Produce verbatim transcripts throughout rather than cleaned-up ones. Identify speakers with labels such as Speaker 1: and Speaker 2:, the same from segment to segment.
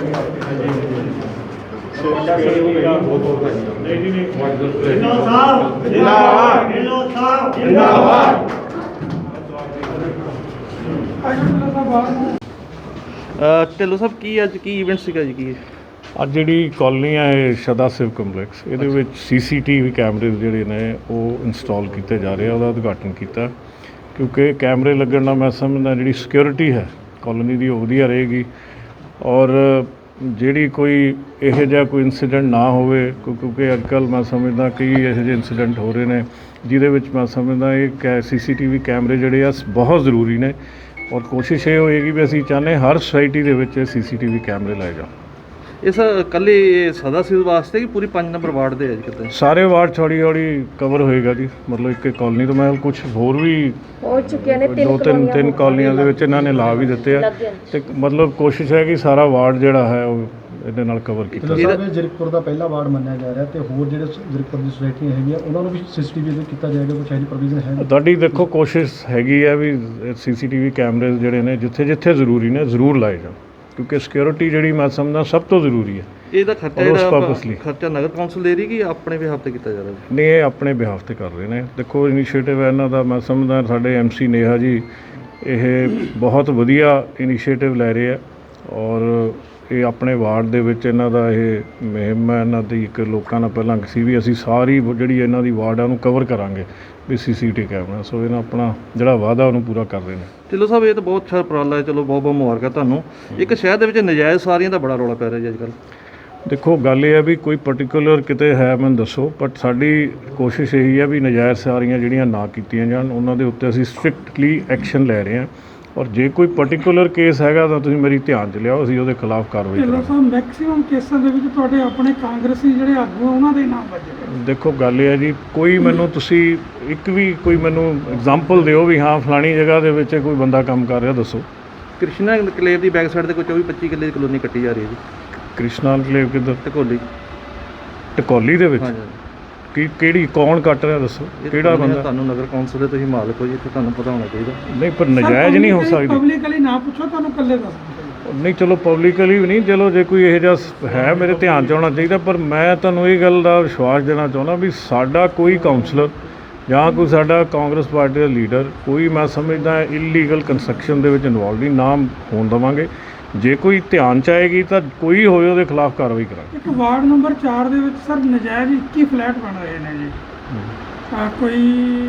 Speaker 1: ਢਿੱਲੋਂ ਸਾਹਿਬ ਕੀ ਅੱਜ ਕੀ ਇਵੈਂਟ ਸੀਗਾ ਜੀ? ਕੀ
Speaker 2: ਅੱਜ ਜਿਹੜੀ ਕਾਲੋਨੀ ਹੈ ਇਹ ਸਦਾ ਸਿਵ ਕੰਪਲੈਕਸ, ਇਹਦੇ ਵਿੱਚ ਸੀ ਸੀ ਟੀ ਵੀ ਕੈਮਰੇ ਜਿਹੜੇ ਨੇ ਉਹ ਇੰਸਟਾਲ ਕੀਤੇ ਜਾ ਰਹੇ ਆ। ਉਹਦਾ ਉਦਘਾਟਨ ਕੀਤਾ ਕਿਉਂਕਿ ਕੈਮਰੇ ਲੱਗਣ ਨਾਲ ਮੈਂ ਸਮਝਦਾ ਜਿਹੜੀ ਸਿਕਿਉਰਿਟੀ ਹੈ ਕਾਲੋਨੀ ਦੀ ਉਹ ਵਧੀਆ ਰਹੇਗੀ ਔਰ ਜਿਹੜੀ ਕੋਈ ਇਹੋ ਜਿਹਾ ਕੋਈ ਇਨਸੀਡੈਂਟ ਨਾ ਹੋਵੇ, ਕਿਉਂਕਿ ਅੱਜ ਕੱਲ੍ਹ ਮੈਂ ਸਮਝਦਾ ਕਈ ਇਹੋ ਜਿਹੇ ਇਨਸੀਡੈਂਟ ਹੋ ਰਹੇ ਨੇ ਜਿਹਦੇ ਵਿੱਚ ਮੈਂ ਸਮਝਦਾ ਇਹ ਕੈ ਸੀ ਸੀ ਟੀ ਵੀ ਕੈਮਰੇ ਜਿਹੜੇ ਆ ਬਹੁਤ ਜ਼ਰੂਰੀ ਨੇ ਔਰ ਕੋਸ਼ਿਸ਼ ਇਹ ਹੋਏਗੀ ਵੀ ਅਸੀਂ ਚਾਹੁੰਦੇ ਹਰ ਸੁਸਾਇਟੀ ਦੇ ਵਿੱਚ ਸੀ ਸੀ ਟੀ ਵੀ ਕੈਮਰੇ ਲਾਏ ਜਾਣ।
Speaker 1: ਇਸ ਇਕੱਲੇ ਸਦਾ ਸਿਵ ਵਾਸਤੇ ਕਿ ਪੂਰੀ ਪੰਜ ਨੰਬਰ ਵਾਰਡ ਦੇ ਹੈ ਜੀ? ਕਿਤੇ ਸਾਰੇ
Speaker 2: ਵਾਰਡ ਥੋੜ੍ਹੀ ਥੋੜ੍ਹੀ ਕਵਰ ਹੋਏਗਾ ਜੀ। ਮਤਲਬ ਇੱਕ ਕਾਲੋਨੀ ਤੋਂ ਮੈਂ ਕੁਛ ਹੋਰ ਵੀ
Speaker 3: ਹੋ ਚੁੱਕੇ ਨੇ,
Speaker 2: ਦੋ ਤਿੰਨ ਤਿੰਨ ਕਾਲੋਨੀਆਂ ਦੇ ਵਿੱਚ ਇਹਨਾਂ ਨੇ ਲਾ ਵੀ ਦਿੱਤੇ ਆ ਤੇ ਮਤਲਬ ਕੋਸ਼ਿਸ਼ ਹੈ ਕਿ ਸਾਰਾ ਵਾਰਡ ਜਿਹੜਾ ਹੈ ਉਹ ਇਹਦੇ ਨਾਲ ਕਵਰ ਕੀਤਾ
Speaker 4: ਜਾਵੇ। ਜ਼ੀਰਕਪੁਰ ਦਾ ਪਹਿਲਾ ਵਾਰਡ ਮੰਨਿਆ ਜਾ ਰਿਹਾ ਤੇ ਹੋਰ ਜਿਹੜੇ ਜ਼ੀਰਕਪੁਰ ਦੀ ਸੁਸਾਇਟੀਆਂ ਹੈਗੀਆਂ ਉਹਨਾਂ ਨੂੰ ਵੀ ਸੀ ਸੀ ਟੀ ਵੀ ਕੀਤਾ ਜਾਏਗਾ, ਕੁਛ ਇਹਦੀ ਪ੍ਰੋਵੀਜ਼ਨ ਹੈ?
Speaker 2: ਤੁਹਾਡੀ ਦੇਖੋ ਕੋਸ਼ਿਸ਼ ਹੈਗੀ ਹੈ ਵੀ ਸੀ ਸੀ ਟੀ ਵੀ ਕੈਮਰੇ ਜਿਹੜੇ ਨੇ ਜਿੱਥੇ ਜਿੱਥੇ ਜ਼ਰੂਰੀ ਨੇ ਜ਼ਰੂਰ ਲਾਏ ਜਾਣ ਕਿਉਂਕਿ ਸਿਕਿਉਰਿਟੀ ਜਿਹੜੀ ਮੈਂ ਸਮਝਦਾ ਸਭ ਤੋਂ ਜ਼ਰੂਰੀ ਹੈ।
Speaker 1: ਇਹਦਾ ਖਰਚਾ ਜਿਹੜਾ ਖਰਚਾ ਨਗਰ ਕੌਂਸਲ ਦੇ ਰਹੀ ਕਿ ਆਪਣੇ ਬਿਹਾਫ ਤੇ ਕੀਤਾ ਜਾ ਰਿਹਾ?
Speaker 2: ਨਹੀਂ, ਇਹ ਆਪਣੇ ਬਿਹਾਫ ਤੇ ਕਰ ਰਹੇ ਨੇ। ਦੇਖੋ ਇਨੀਸ਼ੀਏਟਿਵ ਹੈ ਇਹਨਾਂ ਦਾ, ਮੈਂ ਸਮਝਦਾ ਸਾਡੇ ਐਮ ਸੀ ਨੇਹਾ ਜੀ ਇਹ ਬਹੁਤ ਵਧੀਆ ਇਨੀਸ਼ੀਏਟਿਵ ਲੈ ਰਹੇ ਆ ਔਰ ਇਹ ਆਪਣੇ ਵਾਰਡ ਦੇ ਵਿੱਚ ਇਹਨਾਂ ਦਾ ਇਹ ਮੁਹਿੰਮ ਹੈ। ਇਹਨਾਂ ਦੀ ਇੱਕ ਲੋਕਾਂ ਨਾਲ ਪਹਿਲਾਂ ਸੀ ਵੀ ਅਸੀਂ ਸਾਰੀ ਜਿਹੜੀ ਇਹਨਾਂ ਦੀ ਵਾਰਡ ਆ ਉਹਨੂੰ ਕਵਰ ਕਰਾਂਗੇ ਵੀ ਸੀ ਸੀ ਟੀ ਕੈਮਰਾ, ਸੋ ਇਹਨਾਂ ਆਪਣਾ ਜਿਹੜਾ ਵਾਅਦਾ ਉਹਨੂੰ ਪੂਰਾ ਕਰ ਰਹੇ ਨੇ।
Speaker 1: ਢਿੱਲੋਂ ਸਾਹਿਬ ਇਹ ਤਾਂ ਬਹੁਤ ਅੱਛਾ ਉਪਰਾਲਾ ਹੈ, ਚਲੋ ਬਹੁਤ ਬਹੁਤ ਮੁਬਾਰਕਾਂ ਤੁਹਾਨੂੰ। ਇੱਕ ਸ਼ਹਿਰ ਦੇ ਵਿੱਚ ਨਜਾਇਜ਼ ਸਾਰੀਆਂ ਦਾ ਬੜਾ ਰੌਲਾ ਪੈ ਰਿਹਾ ਜੀ ਅੱਜ ਕੱਲ੍ਹ।
Speaker 2: ਦੇਖੋ ਗੱਲ ਇਹ ਹੈ ਵੀ ਕੋਈ ਪਰਟੀਕੂਲਰ ਕਿਤੇ ਹੈ ਮੈਨੂੰ ਦੱਸੋ, ਬਟ ਸਾਡੀ ਕੋਸ਼ਿਸ਼ ਇਹੀ ਹੈ ਵੀ ਨਜਾਇਜ਼ ਸਾਰੀਆਂ ਜਿਹੜੀਆਂ ਨਾ ਕੀਤੀਆਂ ਜਾਣ, ਉਹਨਾਂ ਦੇ ਉੱਤੇ ਅਸੀਂ ਸਟ੍ਰਿਕਟਲੀ ਐਕਸ਼ਨ ਲੈ ਰਹੇ ਹਾਂ ਔਰ ਜੇ ਕੋਈ ਪਰਟੀਕੂਲਰ ਕੇਸ ਹੈਗਾ ਤਾਂ ਤੁਸੀਂ ਮੇਰੀ ਧਿਆਨ 'ਚ ਲਿਆਓ, ਅਸੀਂ ਉਹਦੇ ਖਿਲਾਫ ਕਾਰਵਾਈ ਕਰਾਂਗੇ।
Speaker 5: ਢਿੱਲੋਂ ਸਾਹਿਬ ਮੈਕਸਿਮਮ ਕੇਸਾਂ ਦੇ ਵਿੱਚ ਤੁਹਾਡੇ ਆਪਣੇ ਕਾਂਗਰਸੀ ਜਿਹੜੇ ਆਗੂ ਉਹਨਾਂ ਦੇ ਨਾਮ ਵੱਜੇ।
Speaker 2: ਦੇਖੋ ਗੱਲ ਇਹ ਹੈ ਜੀ, ਕੋਈ ਮੈਨੂੰ ਤੁਸੀਂ ਇੱਕ ਵੀ ਕੋਈ ਮੈਨੂੰ ਐਗਜ਼ਾਮਪਲ ਦਿਓ ਵੀ ਹਾਂ ਫਲਾਣੀ ਜਗ੍ਹਾ ਦੇ ਵਿੱਚ ਕੋਈ ਬੰਦਾ ਕੰਮ ਕਰ ਰਿਹਾ, ਦੱਸੋ।
Speaker 1: ਕ੍ਰਿਸ਼ਨਾ ਕਲੇਵ ਦੀ ਬੈਕ ਸਾਈਡ ਤੇ ਕੋਈ ਚੌਵੀ ਪੱਚੀ ਕਿੱਲੇ ਦੀ ਕਲੋਨੀ ਕੱਟੀ ਜਾ ਰਹੀ ਹੈ ਜੀ।
Speaker 2: ਕ੍ਰਿਸ਼ਨਾ ਕਲੇਵ ਕਿੱਧਰ?
Speaker 1: ਟਕੋਲੀ।
Speaker 2: ਟਕੋਲੀ ਦੇ ਵਿੱਚ? ਕੀ ਕਿਹੜੀ ਕੌਣ ਕੱਟ ਰਿਹਾ ਦੱਸੋ, ਕਿਹੜਾ ਬੰਦਾ?
Speaker 1: ਤੁਹਾਨੂੰ ਨਗਰ ਕੌਂਸਲ ਦੇ ਤੁਸੀਂ ਮਾਲਕ ਹੋ ਜੀ, ਇੱਥੇ ਤੁਹਾਨੂੰ ਪਤਾ ਹੋਣਾ ਚਾਹੀਦਾ।
Speaker 2: ਨਹੀਂ ਪਰ ਨਜਾਇਜ਼ ਨਹੀਂ ਹੋ ਸਕਦੀ।
Speaker 5: ਪਬਲਿਕਲੀ ਨਾ ਪੁੱਛੋ, ਤੁਹਾਨੂੰ ਇਕੱਲੇ ਦੱਸ।
Speaker 2: ਨਹੀਂ ਚਲੋ ਪਬਲਿਕਲੀ ਵੀ ਨਹੀਂ, ਚਲੋ ਜੇ ਕੋਈ ਇਹੋ ਜਿਹਾ ਹੈ ਮੇਰੇ ਧਿਆਨ 'ਚ ਆਉਣਾ ਚਾਹੀਦਾ। ਪਰ ਮੈਂ ਤੁਹਾਨੂੰ ਇਹ ਗੱਲ ਦਾ ਵਿਸ਼ਵਾਸ ਦੇਣਾ ਚਾਹੁੰਦਾ ਵੀ ਸਾਡਾ ਕੋਈ ਕਾਉਂਸਲਰ ਜਾਂ ਕੋਈ ਸਾਡਾ ਕਾਂਗਰਸ ਪਾਰਟੀ ਦਾ ਲੀਡਰ ਕੋਈ ਮੈਂ ਸਮਝਦਾ ਇਲੀਗਲ ਕੰਸਟਰਕਸ਼ਨ ਦੇ ਵਿੱਚ ਇਨਵੋਲਵ ਨਹੀਂ ਨਾ ਹੋਣ ਦੇਵਾਂਗੇ। ਜੇ ਕੋਈ ਧਿਆਨ 'ਚ ਆਏਗੀ ਤਾਂ ਕੋਈ ਹੋਵੇ ਉਹਦੇ ਖਿਲਾਫ ਕਾਰਵਾਈ ਕਰਾਂਗੇ।
Speaker 5: ਇੱਕ ਵਾਰਡ ਨੰਬਰ ਚਾਰ ਦੇ ਵਿੱਚ ਸਰ ਨਜਾਇਜ਼ ਇੱਕੀ ਫਲੈਟ ਬਣ ਰਹੇ ਨੇ ਜੀ। ਆ ਕੋਈ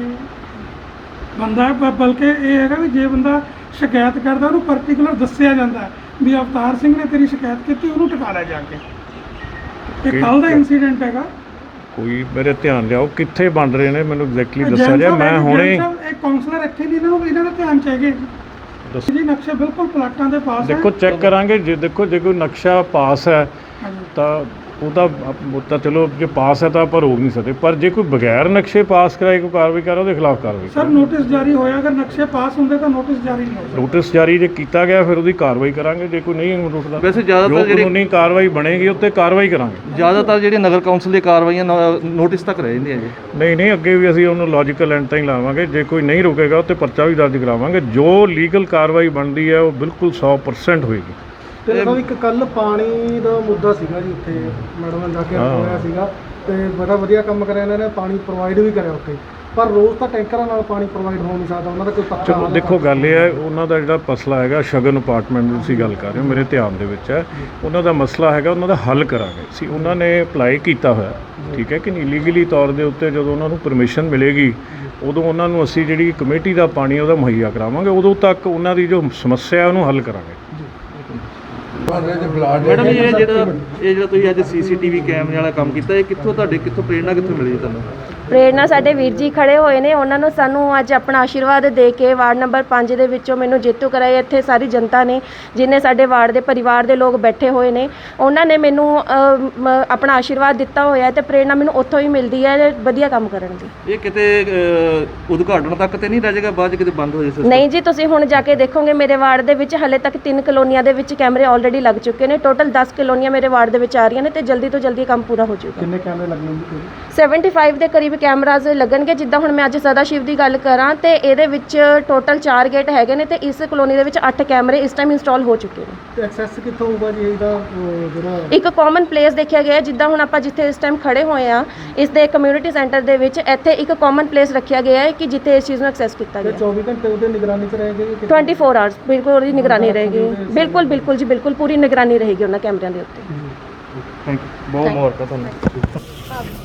Speaker 5: ਬੰਦਾ ਬਲਕਿ ਇਹ ਹੈਗਾ ਵੀ ਜੇ ਬੰਦਾ ਸ਼ਿਕਾਇਤ ਕਰਦਾ ਉਹਨੂੰ ਪਰਟੀਕੂਲਰ ਦੱਸਿਆ ਜਾਂਦਾ ਵੀ ਅਵਤਾਰ ਸਿੰਘ ਨੇ ਤੇਰੀ ਸ਼ਿਕਾਇਤ ਕੀਤੀ, ਉਹਨੂੰ ਟਿਕਾ ਲਿਆ ਜਾ ਕੇ। ਇਹ ਕੱਲ੍ਹ ਦਾ ਇੰਸੀਡੈਂਟ ਹੈਗਾ।
Speaker 2: ਕੋਈ ਮੇਰੇ ਧਿਆਨ ਲਿਆਓ ਕਿੱਥੇ ਬਣ ਰਹੇ ਨੇ, ਮੈਨੂੰ ਐਗਜ਼ੈਕਟਲੀ ਦੱਸਿਆ ਜਾਏ। ਮੈਂ ਹੁਣੇ
Speaker 5: ਇਹ ਕਾਉਂਸਲਰ ਇੱਥੇ ਨਹੀਂ, ਇਹਨਾਂ ਨੂੰ ਇਹਨਾਂ ਦਾ ਧਿਆਨ ਚਾਹੀਏ ਜੀ। ਨਕਸ਼ੇ ਬਿਲਕੁਲ ਪਲਾਟਾਂ ਦੇ ਪਾਸ
Speaker 2: ਦੇਖੋ ਚੈੱਕ ਕਰਾਂਗੇ। ਜੇ ਦੇਖੋ ਜੇ ਕੋਈ ਨਕਸ਼ਾ ਪਾਸ ਹੈ ਤਾਂ ਉਹ ਤਾਂ ਉਹ ਤਾਂ ਚਲੋ ਜੇ ਪਾਸ ਹੈ ਤਾਂ ਆਪਾਂ ਰੋਕ ਨਹੀਂ ਸਕਦੇ, ਪਰ ਜੇ ਕੋਈ ਬਗੈਰ ਨਕਸ਼ੇ ਪਾਸ ਕਰਾਏ ਕੋਈ ਕਾਰਵਾਈ ਕਰੇ ਉਹਦੇ ਖਿਲਾਫ ਕਾਰਵਾਈ।
Speaker 5: ਸਰ ਨੋਟਿਸ ਜਾਰੀ ਹੋਇਆ, ਅਗਰ ਨਕਸ਼ੇ ਪਾਸ ਹੁੰਦੇ ਤਾਂ ਨੋਟਿਸ ਜਾਰੀ ਨਹੀਂ ਹੋਇਆ।
Speaker 2: ਨੋਟਿਸ ਜਾਰੀ ਜੇ ਕੀਤਾ ਗਿਆ ਫਿਰ ਉਹਦੀ ਕਾਰਵਾਈ ਕਰਾਂਗੇ। ਜੇ ਕੋਈ ਨਹੀਂ ਰੁਕਦਾ
Speaker 1: ਵੈਸੇ ਜ਼ਿਆਦਾਤਰ
Speaker 2: ਜਿਹੜੀ ਕਾਨੂੰਨੀ ਕਾਰਵਾਈ ਬਣੇਗੀ ਉੱਤੇ ਕਾਰਵਾਈ ਕਰਾਂਗੇ।
Speaker 1: ਜ਼ਿਆਦਾਤਰ ਜਿਹੜੀ ਨਗਰ ਕੌਂਸਲ ਦੀ ਕਾਰਵਾਈਆਂ ਨੋਟਿਸ ਤੱਕ ਰਹਿ ਜਾਂਦੀਆਂ ਜੀ।
Speaker 2: ਨਹੀਂ ਨਹੀਂ ਅੱਗੇ ਵੀ ਅਸੀਂ ਉਹਨੂੰ ਲੌਜੀਕਲ ਐਂਡ ਤਾਂ ਹੀ ਲਾਵਾਂਗੇ। ਜੇ ਕੋਈ ਨਹੀਂ ਰੁਕੇਗਾ ਉੱਤੇ ਪਰਚਾ ਵੀ ਦਰਜ ਕਰਾਵਾਂਗੇ। ਜੋ ਲੀਗਲ ਕਾਰਵਾਈ ਬਣਦੀ ਹੈ ਉਹ ਬਿਲਕੁਲ ਸੌ ਪਰਸੈਂਟ ਹੋਏਗੀ।
Speaker 4: ਤੇ ਸਾਹਿਬ ਇੱਕ ਕੱਲ ਪਾਣੀ ਦਾ ਮੁੱਦਾ ਸੀਗਾ ਜੀ, ਉੱਥੇ ਮੈਡਮ ਨੇ ਜਾ ਕੇ ਹੋਇਆ ਸੀਗਾ ਤੇ ਬੜਾ ਵਧੀਆ ਕੰਮ ਕਰਿਆ ਇਹਨਾਂ ਨੇ, ਪਾਣੀ ਪ੍ਰੋਵਾਈਡ ਵੀ ਕਰਿਆ ਉੱਥੇ, ਪਰ ਰੋਜ਼ ਤਾਂ ਟੈਂਕਰਾਂ ਨਾਲ ਪਾਣੀ ਪ੍ਰੋਵਾਈਡ ਹੋ ਨਹੀਂ ਸਕਦਾ। ਉਹਨਾਂ ਦਾ ਕੋਈ ਪੱਕਾ
Speaker 2: ਚਲੋ ਦੇਖੋ ਗੱਲ ਇਹ ਹੈ ਉਹਨਾਂ ਦਾ ਜਿਹੜਾ ਮਸਲਾ ਹੈਗਾ ਸ਼ਗਨ ਅਪਾਰਟਮੈਂਟ ਦੀ ਤੁਸੀਂ ਗੱਲ ਕਰ ਰਹੇ ਹੋ, ਮੇਰੇ ਧਿਆਨ ਦੇ ਵਿੱਚ ਹੈ। ਉਹਨਾਂ ਦਾ ਮਸਲਾ ਹੈਗਾ, ਉਹਨਾਂ ਦਾ ਹੱਲ ਕਰਾਂਗੇ ਅਸੀਂ। ਉਹਨਾਂ ਨੇ ਅਪਲਾਈ ਕੀਤਾ ਹੋਇਆ, ਠੀਕ ਹੈ ਕਿ ਨਹੀਂ, ਲੀਗਲੀ ਤੌਰ ਦੇ ਉੱਤੇ ਜਦੋਂ ਉਹਨਾਂ ਨੂੰ ਪਰਮਿਸ਼ਨ ਮਿਲੇਗੀ ਉਦੋਂ ਉਹਨਾਂ ਨੂੰ ਅਸੀਂ ਜਿਹੜੀ ਕਮੇਟੀ ਦਾ ਪਾਣੀ ਉਹਦਾ ਮੁਹੱਈਆ ਕਰਾਵਾਂਗੇ। ਉਦੋਂ ਤੱਕ ਉਹਨਾਂ ਦੀ ਜੋ ਸਮੱਸਿਆ ਉਹਨੂੰ ਹੱਲ ਕਰਾਂਗੇ।
Speaker 1: ਮੈਡਮ ਇਹ ਜਿਹੜਾ ਇਹ ਜਿਹੜਾ ਤੁਸੀਂ ਅੱਜ ਸੀ ਸੀ ਟੀ ਵੀ ਕੈਮਰੇ ਵਾਲਾ ਕੰਮ ਕੀਤਾ, ਇਹ ਕਿੱਥੋਂ ਤੁਹਾਡੇ ਕਿੱਥੋਂ ਪ੍ਰੇਰਣਾ ਕਿੱਥੋਂ ਮਿਲੀ ਤੁਹਾਨੂੰ?
Speaker 3: ਪ੍ਰੇਰਣਾ ਸਾਡੇ ਵੀਰ ਜੀ ਖੜੇ ਹੋਏ ਨੇ, ਉਹਨਾਂ ਨੂੰ ਸਾਨੂੰ ਅੱਜ ਆਪਣਾ ਆਸ਼ੀਰਵਾਦ ਦੇ ਕੇ ਵਾਰਡ ਨੰਬਰ ਪੰਜ ਦੇ ਵਿੱਚੋਂ ਮੈਨੂੰ ਜੇਤੂ ਕਰਾਇਆ। ਇੱਥੇ ਸਾਰੀ ਜਨਤਾ ਨੇ ਜਿਨ੍ਹਾਂ ਸਾਡੇ ਵਾਰਡ ਦੇ ਪਰਿਵਾਰ ਦੇ ਲੋਕ ਬੈਠੇ ਹੋਏ ਨੇ, ਉਹਨਾਂ ਨੇ ਮੈਨੂੰ ਆਪਣਾ ਆਸ਼ੀਰਵਾਦ ਦਿੱਤਾ ਹੋਇਆ ਤੇ ਪ੍ਰੇਰਣਾ ਮੈਨੂੰ ਉੱਥੋਂ ਹੀ ਮਿਲਦੀ ਹੈ ਵਧੀਆ ਕੰਮ ਕਰਨ ਦੀ।
Speaker 1: ਇਹ ਕਿਤੇ ਉਦਘਾਟਨ ਤੱਕ ਤੇ ਨਹੀਂ ਰਹਿ ਜਾਏਗਾ, ਬਾਅਦ 'ਚ ਕਿਤੇ ਬੰਦ ਹੋ ਜਾਏ?
Speaker 3: ਨਹੀਂ ਜੀ, ਤੁਸੀਂ ਹੁਣ ਜਾ ਕੇ ਦੇਖੋਗੇ ਮੇਰੇ ਵਾਰਡ ਦੇ ਵਿੱਚ ਹਲੇ ਤੱਕ ਤਿੰਨ ਕਲੋਨੀਆਂ ਦੇ ਵਿੱਚ ਕੈਮਰੇ ਆਲਰੇਡੀ ਲੱਗ ਚੁੱਕੇ ਨੇ। ਟੋਟਲ ਦਸ ਕਲੋਨੀਆਂ ਮੇਰੇ ਵਾਰਡ ਦੇ ਵਿੱਚ ਆ ਰਹੀਆਂ ਨੇ ਤੇ ਜਲਦੀ ਤੋਂ ਜਲਦੀ ਕੰਮ ਪੂਰਾ ਹੋ ਜਾਊਗਾ।
Speaker 4: ਕਿੰਨੇ ਕੈਮਰੇ ਲੱਗੇ ਹੋਣਗੇ?
Speaker 3: ਪਚੱਤਰ ਦੇ ਕਰੀਬ ਕੈਮਰਾਜ਼ ਲੱਗਣਗੇ। ਜਿੱਦਾਂ ਹੁਣ ਮੈਂ ਅੱਜ ਸਦਾ ਸ਼ਿਵ ਦੀ ਗੱਲ ਕਰਾਂ ਤੇ ਇਹਦੇ ਵਿੱਚ ਟੋਟਲ ਚਾਰ ਗੇਟ ਹੈਗੇ ਨੇ ਤੇ ਇਸ ਕਲੋਨੀ ਦੇ ਵਿੱਚ ਅੱਠ ਕੈਮਰੇ ਇਸ ਟਾਈਮ ਇੰਸਟਾਲ ਹੋ ਚੁੱਕੇ ਨੇ।
Speaker 4: ਤੇ ਐਕਸੈਸ ਕਿੱਥੋਂ ਹੋਊਗਾ ਜੀ ਇਹਦਾ ਉਹ ਜਿਹੜਾ
Speaker 3: ਇੱਕ ਕਾਮਨ ਪਲੇਸ ਦੇਖਿਆ ਗਿਆ ਹੈ, ਜਿੱਦਾਂ ਹੁਣ ਆਪਾਂ ਜਿੱਥੇ ਇਸ ਟਾਈਮ ਖੜੇ ਹੋਏ ਆ ਇਸ ਦੇ ਕਮਿਊਨਿਟੀ ਸੈਂਟਰ ਦੇ ਵਿੱਚ ਇੱਥੇ ਇੱਕ ਕਾਮਨ ਪਲੇਸ ਰੱਖਿਆ ਗਿਆ ਹੈ ਕਿ ਜਿੱਥੇ ਇਸ ਚੀਜ਼ ਨੂੰ ਐਕਸੈਸ ਕੀਤਾ
Speaker 4: ਤੇ
Speaker 3: ਗਿਆ
Speaker 4: ਚੌਵੀ ਘੰਟੇ ਉਹਦੇ ਨਿਗਰਾਨੀ 'ਚ ਰਹੇਗੀ ਕਿ
Speaker 3: ਚੌਵੀ ਆਵਰਸ ਬਿਲਕੁਲ ਉਹਦੀ ਨਿਗਰਾਨੀ ਰਹੇਗੀ। ਬਿਲਕੁਲ ਬਿਲਕੁਲ ਜੀ ਬਿਲਕੁਲ ਪੂਰੀ ਨਿਗਰਾਨੀ ਰਹੇਗੀ ਉਹਨਾਂ ਕੈਮਰਿਆਂ ਦੇ ਉੱਤੇ।
Speaker 1: ਥੈਂਕ ਯੂ, ਬਹੁਤ ਮੁਬਾਰਕਾਂ ਤੁਹਾਨੂੰ।